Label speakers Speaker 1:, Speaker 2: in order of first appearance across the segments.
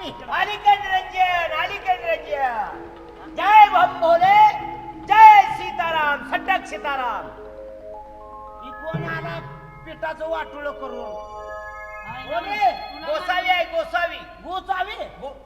Speaker 1: मी
Speaker 2: अलीकड रंजन जय भम भोले जय सीताराम सटक सीताराम.
Speaker 1: ही कोण आला पिठाचं वाटुळ करून
Speaker 2: बोले गोसावी आहे गोसावी
Speaker 1: गोसावी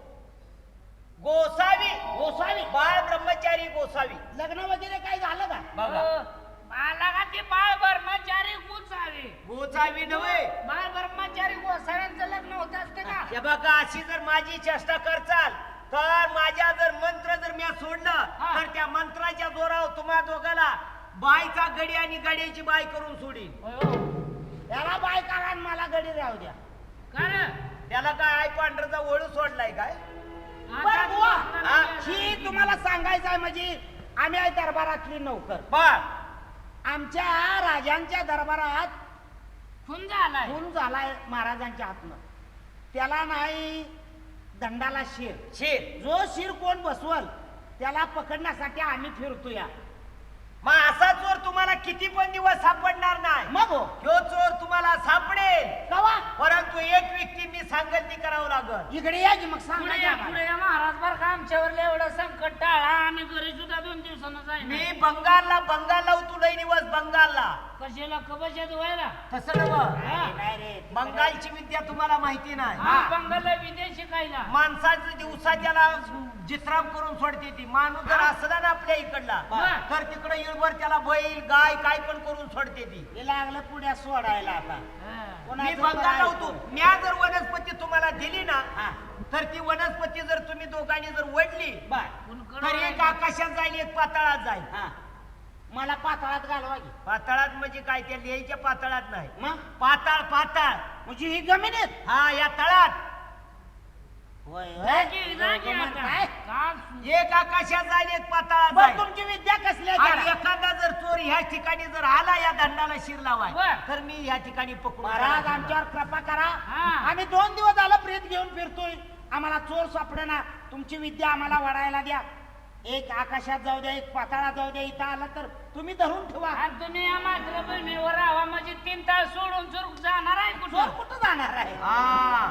Speaker 2: गोसावी
Speaker 1: गोसावी
Speaker 2: बाळ ब्रह्मचारी गोसावी.
Speaker 1: लग्न वगैरे काही झालं का
Speaker 2: बघा
Speaker 3: मला का ते बाळ ब्रह्मचारी गोसावी
Speaker 2: गोसावी नव्हे
Speaker 3: बाळ ब्रह्मचारी गोसाव्यांचं लग्न होत असते का?
Speaker 2: हे बघा अशी जर माझी चेष्टा करचाल तर माझ्या जर मंत्र जर मी सोडलं तर त्या मंत्राच्या जोरावर तुम्हा दोघाला बायचा गडी आणि गड्याची बाय करून सोडीन.
Speaker 1: याला बाय करा आणि मला गडी राहू द्या.
Speaker 3: कारण
Speaker 2: त्याला काय आई पांढरचा ओळू सोडलाय काय?
Speaker 1: बरं बुवा, ही तुम्हाला सांगायचं आहे म्हणजे आम्ही आहे दरबारातली नौकर.
Speaker 2: बर
Speaker 1: आमच्या राजांच्या दरबारात
Speaker 3: खून झालाय.
Speaker 1: खून झालाय महाराजांच्या हातनं. त्याला नाही दंडाला शिर.
Speaker 2: शिर
Speaker 1: जो शिर कोण बसवल त्याला पकडण्यासाठी आम्ही फिरतोया.
Speaker 2: मग असा चोर तुम्हाला किती पण दिवस सापडणार नाही.
Speaker 1: मग हो
Speaker 2: ह्यो चोर तुम्हाला सापडेल
Speaker 1: कवा
Speaker 2: परंतु एक व्यक्ती मी सांगेल ती करावं लागल.
Speaker 1: इकडे या की मग
Speaker 3: पुढे
Speaker 1: सांगा
Speaker 3: या
Speaker 1: आम्हाला.
Speaker 3: पुढे या महाराज बर का आमच्यावर एवढं संकट टाळा आम्ही घरी सुद्धा 2 दिवसानं जाईल.
Speaker 2: मी बंगालला उतुलय निवस बंगालला.
Speaker 3: कशाला कबशात व्हायला
Speaker 2: तसं नव
Speaker 1: नाही रे
Speaker 2: बंगालची विद्या तुम्हाला माहिती नाही.
Speaker 3: बंगालला विदेश शिकायला
Speaker 2: माणसाचं दिवसा त्याला जित्राम करून सोडते ती. माणूस जर असला ना आपल्या इकडला तर तिकडे इळभर त्याला बैल गाय काय पण करून सोडते ती.
Speaker 1: हे लागलं पुढ्या सोडायला आता.
Speaker 2: मी
Speaker 1: कोणाचं
Speaker 2: बंगालला
Speaker 1: बरं
Speaker 2: होतो. म्या जर वनस्पती तुम्हाला दिली ना
Speaker 1: हा.
Speaker 2: तर ती वनस्पती जर तुम्ही दोघांनी जर वडली
Speaker 1: बर
Speaker 2: तर एक आकाशात जाईल एक पाताळात जाईल.
Speaker 1: हा मला पाताळात घालवा की.
Speaker 2: पाताळात म्हणजे काय त्या लिहायच्या पाताळात नाही
Speaker 1: मग
Speaker 2: पाताळ पाताळ
Speaker 1: म्हणजे ही जमिनीत
Speaker 2: हा या तळात
Speaker 1: होय
Speaker 3: जागी
Speaker 1: काय
Speaker 3: आता. का
Speaker 2: एक आकाशात जाईल एक पाताळात
Speaker 1: बरं
Speaker 2: जाईल.
Speaker 1: तुमची विद्या कसली आहे
Speaker 2: आणि
Speaker 1: जरा?
Speaker 2: एखादा जर चोर ह्या ठिकाणी जर आला या दंडाला शिर लावाय
Speaker 3: बर.
Speaker 2: तर मी ह्या ठिकाणी पकडून
Speaker 1: महाराज
Speaker 2: त्याला
Speaker 1: आमच्यावर कृपा करा.
Speaker 3: हा.
Speaker 1: आम्ही 2 दिवस झालं प्रेत घेऊन फिरतोय. आम्हाला चोर सापडेना. तुमची विद्या आम्हाला वडायला द्या. एक आकाशात जाऊ द्या एक पाताळात जाऊ द्या. इथं आला तर तुम्ही धरून ठेवा.
Speaker 3: आणि तुम्ही या मातृभूमीवर राहा म्हणजे 3 तास सोडून चोर जाणार आहे
Speaker 1: चोर
Speaker 3: कुठं?
Speaker 1: कुठं जाणार आहे?
Speaker 2: हा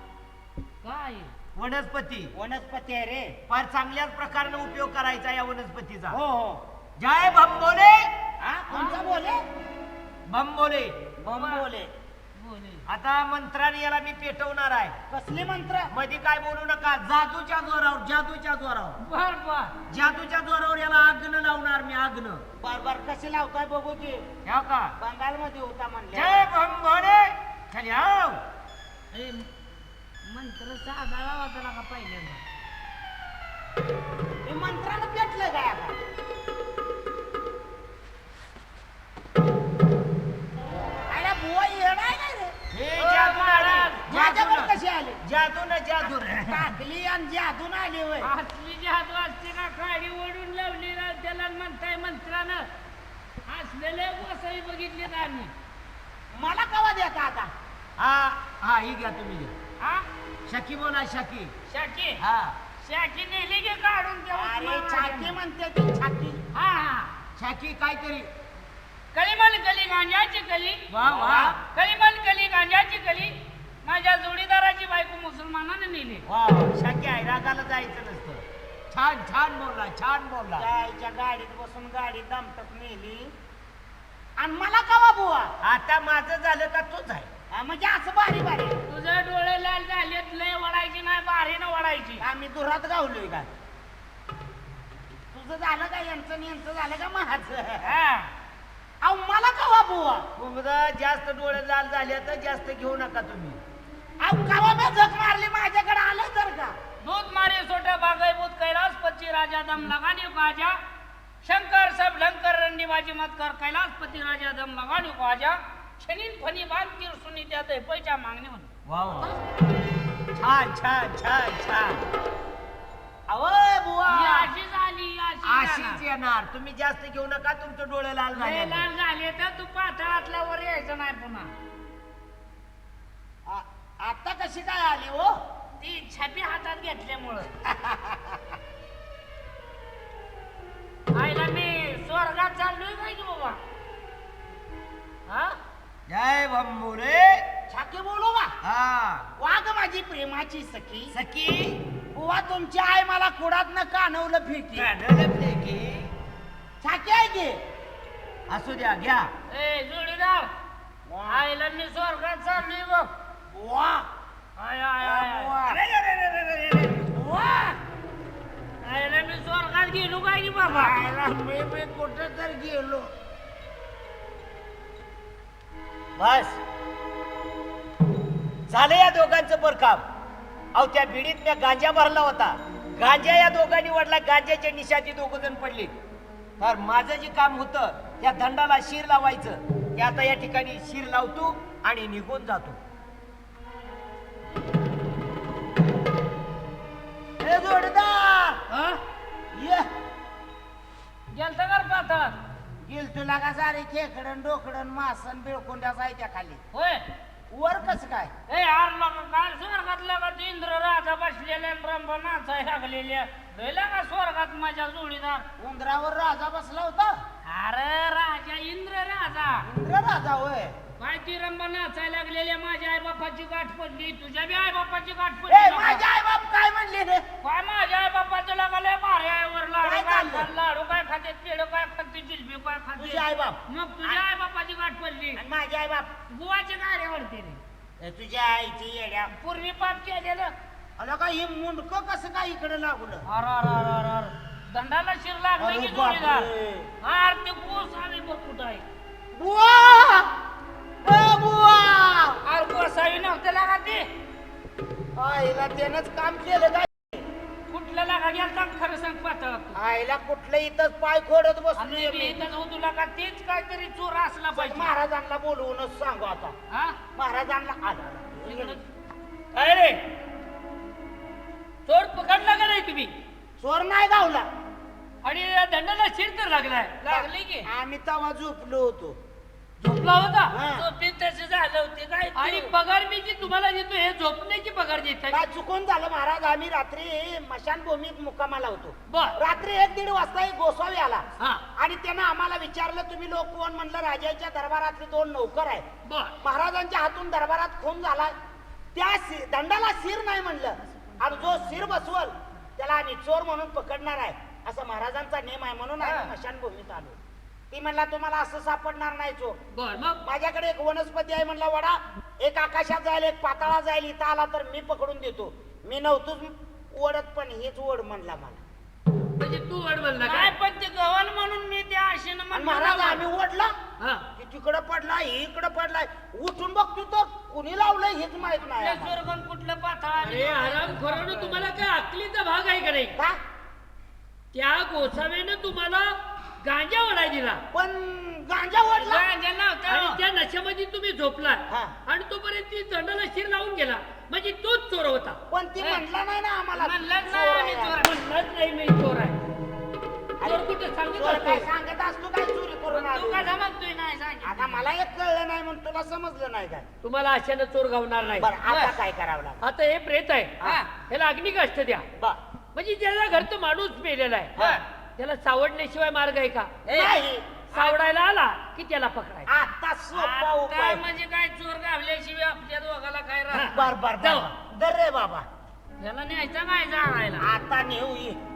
Speaker 3: काय
Speaker 2: वनस्पती
Speaker 1: वनस्पती आहे रे.
Speaker 2: फार चांगल्याच प्रकारे उपयोग करायचा या वनस्पतीचा.
Speaker 1: हो हो
Speaker 2: जय भंबोले
Speaker 1: हा कोणता बोले
Speaker 2: भंबोले.
Speaker 1: बोले
Speaker 3: बोले
Speaker 2: आता मंत्राने याला मी पेटवणार आहे.
Speaker 1: कसले मंत्र?
Speaker 2: मध्ये काय बोलू नका. जादूच्या जोरावर जादूच्या जोरावर
Speaker 3: बर बर
Speaker 2: जादूच्या जोरावर याला आग्न लावणार मी आग्न.
Speaker 1: बार बार कसे लावताय बघू की.
Speaker 2: ह्या का
Speaker 1: बंगाल मध्ये होता म्हणले.
Speaker 2: जय भंबोले खाली आव.
Speaker 3: ए, मंत्र साधावा होता का पहिल्यांदा?
Speaker 1: हे मंत्रानं पेटलं काय आता? अरे बुवा येणार नाही रे.
Speaker 2: हे
Speaker 3: ओ,
Speaker 2: जादू
Speaker 3: महाराज,
Speaker 1: माझ्यावर
Speaker 2: जादू
Speaker 1: कशी आले?
Speaker 2: जादू ना जादू
Speaker 1: टाकली आणि जादून आली होय.
Speaker 3: असली जादू असते का काडी ओढून लावली ना त्याला म्हणताय मंत्रानं असलेले वसई बघितलेत आम्ही.
Speaker 1: मला कवा देता आता?
Speaker 2: हा हा ही घ्या तुम्ही घ्या.
Speaker 3: हा
Speaker 2: शकी बोला शकी.
Speaker 3: शाकी
Speaker 2: हा
Speaker 3: शाकी नेली की काढून त्या
Speaker 1: अरे
Speaker 3: उस्मानाबाद
Speaker 1: छाती
Speaker 3: मध्ये.
Speaker 1: म्हणते ती छाती.
Speaker 3: हा हा
Speaker 2: शकी काहीतरी.
Speaker 3: कलिमल कली गांजाची कली
Speaker 2: वा वा
Speaker 3: कलिमल कली गांजाची कली माझ्या जोडीदाराची बायको मुसलमानाने नेली.
Speaker 2: वा शकी आहे रागाला जायचं नसतं. छान छान बोलला छान बोलला.
Speaker 1: जायच्या गाडीत बसून गाडी दमटत नेली आणि मला कवा बुवा?
Speaker 2: आता माझं झालं का तूच आहे.
Speaker 1: हा, म्हणजे असं बारी बारी
Speaker 3: तुझे डोळे लाल झालेत लय वडायची नाही बारीनं वडायची.
Speaker 1: आम्ही दुरात गावलोय का? तुझं झालं का यांचं आणि यांचं झालं का माझं?
Speaker 3: हा.
Speaker 1: अहो मला कवा बुवा?
Speaker 2: तुमचं जास्त डोळे लाल झाले तर जास्त घेऊ नका तुम्ही.
Speaker 1: अहो कवा मी झक मारली माझ्याकडे आलं तर का?
Speaker 3: दूध मारे सोटा बागय बुत कैलास पती राजा दम लगाने को आजा शंकर सब लंकर रंडी बाजी मत कर कैलास पती राजा दम लगाने को आजा छनीन फनी बांध तीर सुनी त्यात पैसा मागणे म्हणून.
Speaker 2: वा वा छान छान छान छान.
Speaker 1: अहो बुवा
Speaker 3: ही अशी झाली
Speaker 2: अशीच
Speaker 3: अशी
Speaker 2: येणार. तुम्ही जास्त घेऊ नका तुमचं डोळे लाल झाले.
Speaker 3: लाल झाले तर तू पातळातल्या वर यायचं नाही पुन्हा.
Speaker 1: आता कशी काय आली हो?
Speaker 3: ती छापी हातात घेतल्यामुळं. आईला मी स्वर्गात चाललोय काय की बाबा? हा
Speaker 2: जय भंबोले.
Speaker 1: छाके बोलू का?
Speaker 2: हा
Speaker 1: वाघ माझ्या माझी प्रेमाची सखी
Speaker 2: सखी
Speaker 1: बुवा तुमची आई मला कुडातनं कानवलं फेकी
Speaker 2: काढलं की
Speaker 1: छाकी आहे की
Speaker 2: असू द्या घ्या.
Speaker 3: ए जोडीदार आईला मी स्वर्गात चाललोय बघ.
Speaker 1: बुवा
Speaker 3: आय आय आय आय.
Speaker 1: बुवा.
Speaker 2: अरे, अरे, अरे, अरे, अरे.
Speaker 1: बुवा
Speaker 3: आईला मी स्वर्गात गेलो काय की बाबा.
Speaker 1: आईला मी कुठं तर गेलो
Speaker 2: बस झालं या दोघांचं बरकाम. अहो त्या बिडीत मी गांजा भरला होता. गांजा या दोघांनी वडला. गांजाच्या निशाची दोघ जण पडली. तर माझं जे काम होतं त्या दंडाला शिर लावायचं ते आता या ठिकाणी शिर लावतो आणि निघून जातो.
Speaker 1: हे जोडदार
Speaker 3: हा?
Speaker 1: ये
Speaker 3: गेलता कर पाहतात.
Speaker 1: गेल तुला का सारे खेकडन डोकडन मासन बिळकुंड्या जायच्या खाली
Speaker 3: होय
Speaker 1: वर कस काय
Speaker 3: ए यार लोक काय स्वर्गात लागत इंद्र राजा बसलेल्या रंभ नाचाय लागलेल्या गेला का स्वर्गात माझ्या जोडीदार.
Speaker 1: उंदरावर राजा बसला होता
Speaker 3: अरे राजा इंद्र राजा
Speaker 1: इंद्र राजा होय
Speaker 3: काय ती रंभ नाचाय लागलेल्या माझ्या आई बापाची गाठ पडली. तुझ्या बी आई बापाची गाठ
Speaker 1: ए
Speaker 3: पडली
Speaker 1: माझे आई बाप काय म्हणले रे
Speaker 3: काय माझ्या आई बापाचं लागले माऱ्यावर लाडू
Speaker 1: काय
Speaker 3: काय
Speaker 1: चाललं?
Speaker 3: लाडू काय खाते पेढ काय खाते जिलबी काय खाते.
Speaker 1: तुझे आई बाप
Speaker 3: मग तुझ्या आई बापाची गाठ पडली.
Speaker 1: आणि माझे आई बाप
Speaker 3: बुवाची गाड्या वरते रे
Speaker 1: तुझ्या आईची येड्या
Speaker 3: पूर्वी पाप केलेलं.
Speaker 1: अला का हे मुंडक कसं काय इकडे लागलं
Speaker 3: अर अर अर अर अर दंडाला शिर लागलं
Speaker 1: अरे
Speaker 3: की जोडीदार.
Speaker 1: बापरे.
Speaker 3: हार ते कोस आम्ही बघ कुठं आहे.
Speaker 1: बुवा ए बुवा
Speaker 3: अरे कोसावी नव्हतं लागा ते
Speaker 1: आईला त्यानंच काम केलं काय
Speaker 3: कुठलं लागा गेलता खरं सांग पाहता.
Speaker 1: आईला कुठलं इथंच पाय खोडत बसलोय
Speaker 3: आणि
Speaker 1: मी.
Speaker 3: इथं जाऊ तुला का तेच काहीतरी चोर असला पाहिजे.
Speaker 1: महाराजांना बोलवूनच सांगू आता
Speaker 3: हा
Speaker 1: महाराजांना आला
Speaker 3: काय रे चोर पकडला का नाही तुम्ही.
Speaker 1: चोर नाही गावला
Speaker 3: आणि या दंडाला शिर तर लागलाय लागली की
Speaker 1: आम्ही तेव्हा झोपलो होतो
Speaker 3: झोपला होता.
Speaker 1: हा.
Speaker 3: झोपेत तसे झालं होते काय आणि पगार मी जी तुम्हाला देतो हे झोपण्याची पगार देत
Speaker 1: काय चुकून झालं महाराज आम्ही रात्री मशानभूमीत मुक्कामाला होतो
Speaker 3: बर
Speaker 1: रात्री 1-1:30 वाजता एक गोसावी आला
Speaker 3: हा
Speaker 1: आणि त्यानं आम्हाला विचारलं तुम्ही लोक कोण म्हणलं राजाच्या दरबारातले 2 नौकर आहेत
Speaker 3: बर
Speaker 1: महाराजांच्या हातून दरबारात खून झाला त्या दंडाला शिर नाही म्हणलं आणि जो शिर बसवल त्याला आम्ही चोर म्हणून पकडणार आहे असं महाराजांचा नियम आहे म्हणून आम्ही मशानभूमीत आलो ती म्हणला तुम्हाला असं सापडणार नाही चोर
Speaker 3: बर मग
Speaker 1: माझ्याकडे एक वनस्पती आहे म्हणला वडा एक आकाशात जाईल एक पाताळा जाईल इथं आला तर मी पकडून देतो मी नव्हतोच ओढत पण हेच ओढ म्हणला मला
Speaker 3: म्हणजे तू वड म्हणला काय पण ते गव्हाण म्हणून मी त्या आशेनं
Speaker 1: आणि महाराज आम्ही ओढला
Speaker 3: हा
Speaker 1: की तिकडं पडलाय इकडं पडलाय उठून बघतो तर कुणी लावलंय हेच माहित नाही
Speaker 3: त्या
Speaker 1: आम्हाला.
Speaker 3: स्वर्गण कुठलं पाताळ अरे आराम खरं तुम्हाला काय अकलीचा भाग आहे का नाही.
Speaker 1: का
Speaker 3: त्या गोसाव्यानं तुम्हाला गांजा ओढाय दिला
Speaker 1: पण गांजा ओढला
Speaker 3: गांजा नव्हता आणि त्या नशेमध्ये तुम्ही झोपला
Speaker 1: हा.
Speaker 3: आणि तोपर्यंत ती दंडाला शिर लावून गेला म्हणजे तोच चोर होता.
Speaker 1: पण ती म्हटला नाही ना आम्हाला
Speaker 3: म्हणलाच
Speaker 1: चोर
Speaker 3: नाही आम्ही
Speaker 1: आहे.
Speaker 3: चोर म्हणलाच नाही मी चोर आहे. चोर कुठे सांगत
Speaker 1: चोर काय
Speaker 3: असतो.
Speaker 1: सांगत असतो काय चोरी करून
Speaker 3: तू
Speaker 1: आलो.
Speaker 3: का समजतोय नाही सांगितलं.
Speaker 1: आता मला एक कळलं नाही म्हणून तुला समजलं नाही काय
Speaker 3: तुम्हाला अशानं चोर गावणार नाही.
Speaker 1: बरं आता काय करावं लागेल
Speaker 3: आता हे प्रेत आहे
Speaker 1: हा.
Speaker 3: ह्याला अग्निकाष्ट द्या
Speaker 1: बर
Speaker 3: म्हणजे ज्याला घरचं माणूस मेलेला आहे त्याला सावडण्याशिवाय मार्ग आहे का.
Speaker 1: नाही
Speaker 3: सावडायला आला की त्याला पकडायचं.
Speaker 1: आता सोपा उपाय
Speaker 3: म्हणजे काय चोर गावल्याशिवाय आपल्या दोघाला काय
Speaker 1: बर बर
Speaker 3: जाऊ.
Speaker 1: दर रे बाबा
Speaker 3: याला न्यायचा काय जाळायला.
Speaker 1: आता नेऊ ये